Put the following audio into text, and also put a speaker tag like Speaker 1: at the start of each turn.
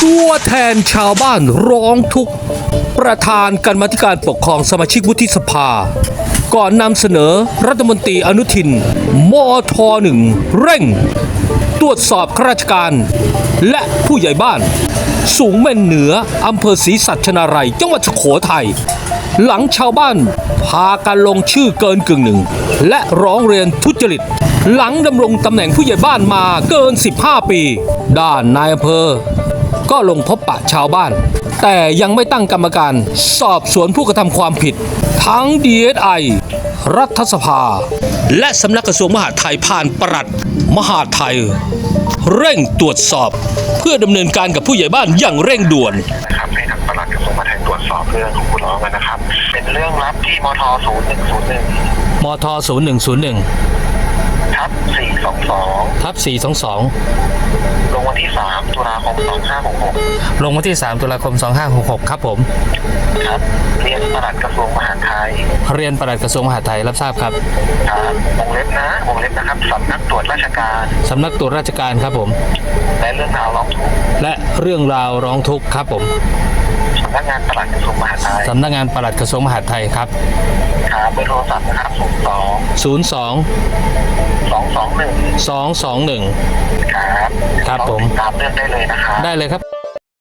Speaker 1: ตัวแทนชาวบ้านร้องทุกข์ประธานกรรมาธิการปกครองสมาชิกวุฒิสภาก่อนนำเสนอรัฐมนตรีอนุทินมท.1 เร่งตรวจสอบข้าราชการและผู้ใหญ่บ้านสูงเม่นเหนืออำเภอศรีสัชนาลัยจังหวัดสุโขทัยหลังชาวบ้านพากันลงชื่อเกินกึ่งหนึ่งและร้องเรียนทุจริตหลังดำรงตำแหน่งผู้ใหญ่บ้านมาเกิน15 ปีด้านนายอำเภอก็ลงพบปะชาวบ้านแต่ยังไม่ตั้งกรรมการสอบสวนผู้กระทำความผิดทั้ง DSI รัฐสภาและสำนักกระทรวงมหาดไทยผ่านปลัดมหาดไทยเร่งตรวจสอบเพื่อดำเนินการกับผู้ใหญ่บ้านอย่างเร่งด่วน
Speaker 2: นะครับให้ทางปลัดกระทรวงมหาดไทยตรวจสอบเรื่องของผู้ร้องนะครับเป็นเรื่องลับที่มท.0101
Speaker 1: มท.0101
Speaker 2: ทับ422
Speaker 1: ทับ422
Speaker 2: ลงวันที่3ตุลาคม2566
Speaker 1: ลงวันที่3ตุลาคม2566ครับผม
Speaker 2: ครับเรียนปลัดกระทรวงมหาดไทย
Speaker 1: เรียนปลัดกระทรวงมหาดไทยรับทราบครับ
Speaker 2: ครับวงเล็บนะครับสำนักตรวจราชการ
Speaker 1: สำนักตรวจราชการครับผม
Speaker 2: และเรื่องราวร้องทุกข์
Speaker 1: และเรื่องราวร้องทุกข์ครับผม
Speaker 2: สำนักงานปลัดกระทรวงมหาดไทย
Speaker 1: สำนักงานปลัดกระทรวงมหาดไทยครับ
Speaker 2: ครับเบอร์โทรศัพท์นะครับ
Speaker 1: 02 221
Speaker 2: ครับ
Speaker 1: ครับผม
Speaker 2: ตามเรื่องได้เลยนะครับ
Speaker 1: ได้เลยครับ